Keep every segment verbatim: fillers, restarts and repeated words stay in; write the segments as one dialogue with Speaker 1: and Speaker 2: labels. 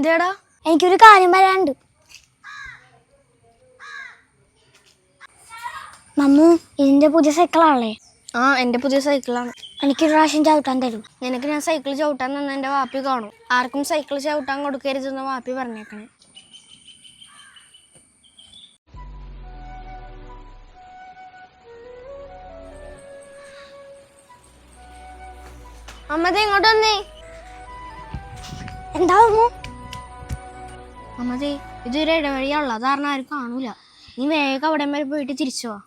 Speaker 1: എന്തേടാ?
Speaker 2: എനിക്കൊരു കാര്യം പറയാനുണ്ട്. മമ്മു, ഇതിന്റെ പുതിയ സൈക്കിളാണല്ലേ?
Speaker 1: ആ, എന്റെ പുതിയ സൈക്കിളാണ്.
Speaker 2: എനിക്കൊരു പ്രാവശ്യം ചവിട്ടാൻ തരും?
Speaker 1: നിനക്ക് ഞാൻ സൈക്കിൾ ചവിട്ടാൻ തന്നെ എന്റെ വാപ്പി കാണും. ആർക്കും സൈക്കിൾ ചവിട്ടാൻ കൊടുക്കരുതെന്ന് വാപ്പി പറഞ്ഞേക്കണേ. അമ്മതേ ഇങ്ങോട്ട് വന്നേ.
Speaker 2: എന്താ മമ്മു?
Speaker 1: അമ്മതേ ഇതൊരു ഇടവഴിയാണല്ലോ, അത് കാരണം ആരും കാണൂല. നീ വേഗം അവിടെ വരെ പോയിട്ട് തിരിച്ചു വാ.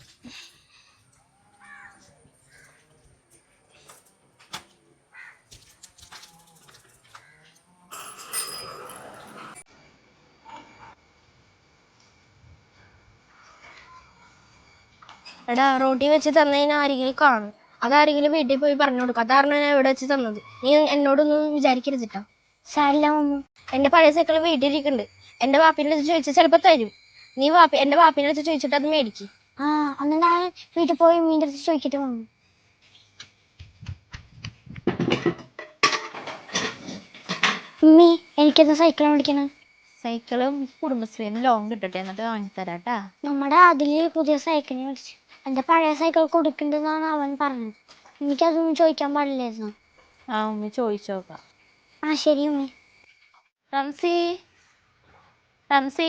Speaker 1: എടാ, റോട്ടി വെച്ച് തന്നതിന് ആരെങ്കിലും കാണും. അതാരെങ്കിലും വീട്ടിൽ പോയി പറഞ്ഞു കൊടുക്കും. അതാണ് ഞാൻ ഇവിടെ വെച്ച് തന്നത്. നീ എന്നോടൊന്നും വിചാരിക്കരുതിട്ടാ.
Speaker 2: സാരില്ല മമ്മു.
Speaker 1: എന്റെ പഴയ സൈക്കിൾ വീട്ടിലിരിക്കുന്നുണ്ട്. എന്റെ വാപ്പിന്റെ അടുത്ത് ചോദിച്ചാൽ ചിലപ്പോ തരും. നീ വാപ്പി എന്റെ വാപ്പിന്റെ അടുത്ത് ചോദിച്ചിട്ട് അത് മേടിക്കും.
Speaker 2: ആ, അന്ന് ഞാൻ വീട്ടിൽ പോയി മീൻ്റെ അടുത്ത് ചോദിക്കട്ടെ മമ്മു. മമ്മി, എനിക്കെന്താ സൈക്കിൾ മേടിക്കണം?
Speaker 3: സൈക്കിളും കുടുംബശ്രീന്ന് ലോൺ കിട്ടട്ടെ, എന്നിട്ട് വാങ്ങിത്തരാട്ടാ.
Speaker 2: നമ്മുടെ അതില് പുതിയ സൈക്കിൾ മേടിച്ചു. എന്റെ പഴയ സൈക്കിൾ കൊടുക്കണ്ടെന്നാണ് അവൻ പറഞ്ഞത്. എനിക്കതൊന്നും ചോദിക്കാൻ പാടില്ലായിരുന്നു.
Speaker 3: ആ ഉമ്മി ചോദിച്ചോക്കാം.
Speaker 2: ആ ശരി ഉമ്മി.
Speaker 3: റംസി, റംസി,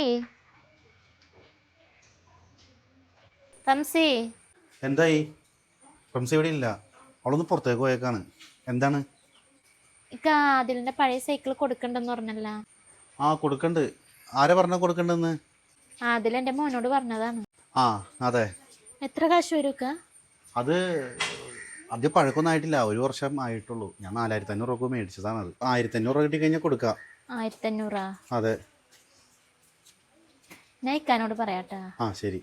Speaker 3: റംസി.
Speaker 4: എന്തായി? റംസി ഇവിടെ ഇല്ല, അവളൊന്ന് പുറത്തേക്ക് പോയേക്കാണ്. എന്താണ്?
Speaker 3: ഇക്ക അതിലിന്റെ പഴയ സൈക്കിൾ കൊടുക്കണ്ടെന്ന് പറഞ്ഞല്ല.
Speaker 4: ആ, കൊടുക്കണ്ട്. ആരാ പറഞ്ഞ കൊടുക്കണ്ടെന്ന്?
Speaker 3: ആ, അതിലെന്റെ മോനോട് പറഞ്ഞതാണ്.
Speaker 4: ആ അതെ.
Speaker 3: എത്ര കാശ് വരും ഇക്ക?
Speaker 4: അത് അധികം പഴക്കൊന്നും ആയിട്ടില്ല, ഒരു വർഷം ആയിട്ടുള്ളൂ. ഞാൻ നാലായിരത്തി അഞ്ഞൂറ് രൂപ മേടിച്ചതാണ്. അത് ആയിരത്തി അഞ്ഞൂറ് രൂപ കിട്ടി കഴിഞ്ഞാൽ കൊടുക്കാം.
Speaker 3: ആയിരത്തി അഞ്ഞൂറാ?
Speaker 4: അതെ.
Speaker 3: ഞാൻ ഇക്കാനോട് പറയാട്ടാ.
Speaker 4: ആ ശരി.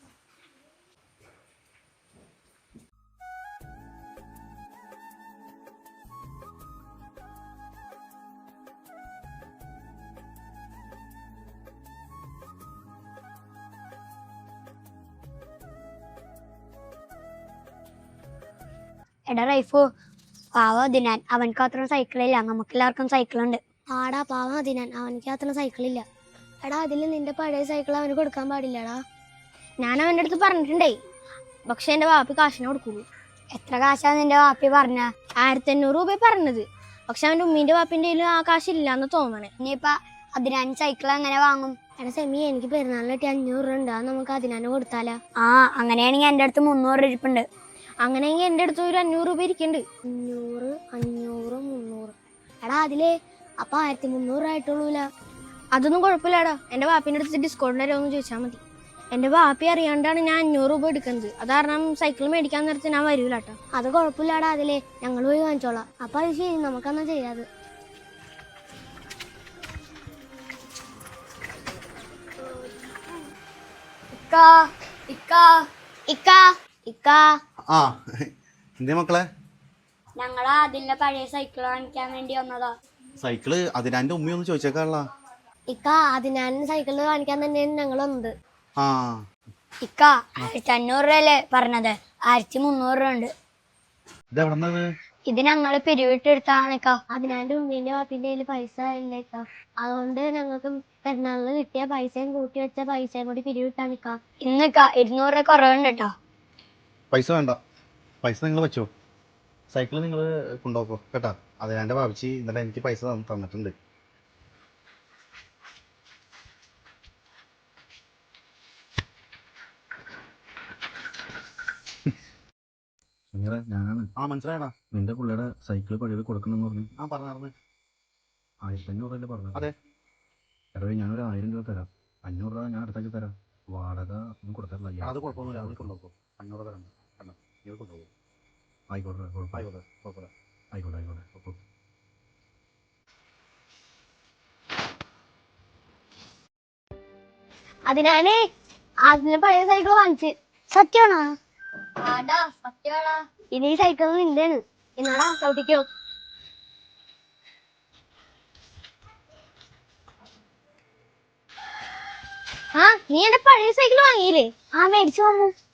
Speaker 2: എടാ റൈഫു, പാവ ദിനാൻ, അവനക്ക് അത്ര സൈക്കിളില്ല. നമുക്കെല്ലാവർക്കും സൈക്കിളുണ്ട്. ആടാ പാവ ദിനാൻ, അവനക്ക് അത്ര സൈക്കിളില്ല. എടാ, അതിൽ നിന്റെ പഴയ സൈക്കിൾ അവന് കൊടുക്കാൻ പാടില്ലടാ.
Speaker 1: ഞാൻ അവൻ്റെ അടുത്ത് പറഞ്ഞിട്ടുണ്ടേ, പക്ഷെ എന്റെ വാപ്പി കാശിനെ കൊടുക്കുള്ളൂ.
Speaker 2: എത്ര കാശാ നിന്റെ വാപ്പി പറഞ്ഞ?
Speaker 1: ആയിരത്തി അഞ്ഞൂറ് രൂപ പറഞ്ഞത്. പക്ഷെ അവന്റെ ഉമ്മീന്റെ വാപ്പിന്റെ കയ്യിൽ ആ കാശില്ലാന്ന് തോന്നണേ.
Speaker 2: ഇനിയിപ്പ അതിനാൻ സൈക്കിൾ എങ്ങനെ വാങ്ങും? എടാ സെമി, എനിക്ക് പെരുന്നാളിന് കിട്ടിയ അഞ്ഞൂറ് രൂപ ഉണ്ട്. അത് നമുക്ക് അതിനാന് കൊടുത്താലാ? ആ, അങ്ങനെയാണെങ്കിൽ എൻ്റെ അടുത്ത് മുന്നൂറ് രൂപ ഇരിപ്പുണ്ട്.
Speaker 1: അങ്ങനെയെങ്കിൽ എൻ്റെ അടുത്ത് ഒരു അഞ്ഞൂറ് രൂപ ഇരിക്കുന്നുണ്ട്.
Speaker 2: അഞ്ഞൂറ് അഞ്ഞൂറ് മുന്നൂറ്. എടാ അതിലേ അപ്പൊ ആയിരത്തി മുന്നൂറ് ആയിട്ടുള്ളൂല.
Speaker 1: അതൊന്നും കുഴപ്പമില്ലടാ, എന്റെ വാപ്പിന്റെ അടുത്ത് ഡിസ്കൗണ്ട് തരുമോ എന്ന് ചോദിച്ചാൽ മതി. എന്റെ വാപ്പി അറിയാണ്ടാണ് ഞാൻ അഞ്ഞൂറ് രൂപ എടുക്കുന്നത്. അത് കാരണം സൈക്കിൾ മേടിക്കാൻ നേരത്തെ ഞാൻ വരൂലാട്ടോ.
Speaker 2: അത് കുഴപ്പമില്ലാടാ, അതിലേ ഞങ്ങൾ പോയി വാങ്ങിച്ചോളാം. അപ്പൊ അത് ശരി, നമുക്കെന്നാ ചെയ്യാത്.
Speaker 1: ഇക്കാ ഇക്കാ ഇക്കാ ഇക്കാ.
Speaker 4: ആ എന്തേ മക്കളെ?
Speaker 2: ഞങ്ങളാ അതിന്റെ പഴയ സൈക്കിൾ വാങ്ങിക്കാൻ വേണ്ടി വന്നതാ.
Speaker 4: സൈക്കിള് അതിനാൻ്റെ ഉമ്മയൊന്ന് ചോദിച്ചേക്കാള.
Speaker 2: ഇക്ക, അതിനാൻ സൈക്കിള് കാണിക്കാൻ തന്നെയാണ് ഞങ്ങൾ വന്നത്.
Speaker 4: ആ
Speaker 2: ഇക്ക, ആയിരത്തി അഞ്ഞൂറ് രൂപയല്ലേ പറഞ്ഞത്? ആയിരത്തി മുന്നൂറ് രൂപ ഉണ്ട്.
Speaker 4: ഇതെവിടെന്നത്?
Speaker 2: ഇത് ഞങ്ങള് പിരിവിട്ടെടുത്താണ് ഇക്ക. അതിനാൻ്റെ ഉമ്മീന്റെ വാപ്പിന്റെ കയ്യില് പൈസ ഇല്ല ഇക്ക. അതുകൊണ്ട് ഞങ്ങൾക്ക് പെരുന്നാളിന് കിട്ടിയ പൈസയും കൂട്ടി വെച്ച പൈസയും കൂടി പിരിവിട്ടാണ് ഇക്ക. ഇന്നിക്ക ഇരുന്നൂറ് രൂപ കുറവുണ്ട് കേട്ടോ.
Speaker 4: പൈസ വേണ്ട, പൈസ നിങ്ങൾ വെച്ചോ. സൈക്കിൾ നിങ്ങൾ കൊണ്ടുപോക്കോ കേട്ടാ. അതിനാൻ്റെ ഭാവിച്ച് ഇന്നലെ എനിക്ക് പൈസ തന്നിട്ടുണ്ട്. ഞാനാണ്. ആ മനസ്സിലായടാ. നിന്റെ പുള്ളിയുടെ സൈക്കിൾ പഴയത് കൊടുക്കണമെന്ന് പറഞ്ഞു. ആ പറഞ്ഞായിരുന്നു. ആയിരത്തി അഞ്ഞൂറ് രൂപ പറഞ്ഞു. അതെ. എടവേ, ഞാനൊരു ആയിരം രൂപ തരാം. അഞ്ഞൂറ് രൂപ ഞാൻ അടുത്തേക്ക് തരാം. വാടക ഒന്നും കൊടുക്കാറില്ല. അത് കുഴപ്പമൊന്നുമില്ല, അത് കൊണ്ടുപോകും. അഞ്ഞൂറ് തരാം. കണ്ടോ, ഇത് കൊണ്ടുപോകും. ആയിക്കോട്ടെ ആയിക്കോട്ടെ ആയിക്കോട്ടെ കുഴപ്പമില്ല. ആയിക്കോട്ടെ ആയിക്കോട്ടെ കുഴപ്പം.
Speaker 2: അതിനാണ് അതിന് പഴയ സൈക്കിൾ വാങ്ങിച്ച്. സത്യമാണോ? ഇനി ഈ സൈക്കിൾ നിന്റെയാണ്. എന്നാടാ ചവിട്ടിക്കോ.
Speaker 1: ആ, നീ എന്റെ പഴയ സൈക്കിൾ വാങ്ങിയില്ലേ?
Speaker 2: ആ, മേടിച്ചു വന്നു.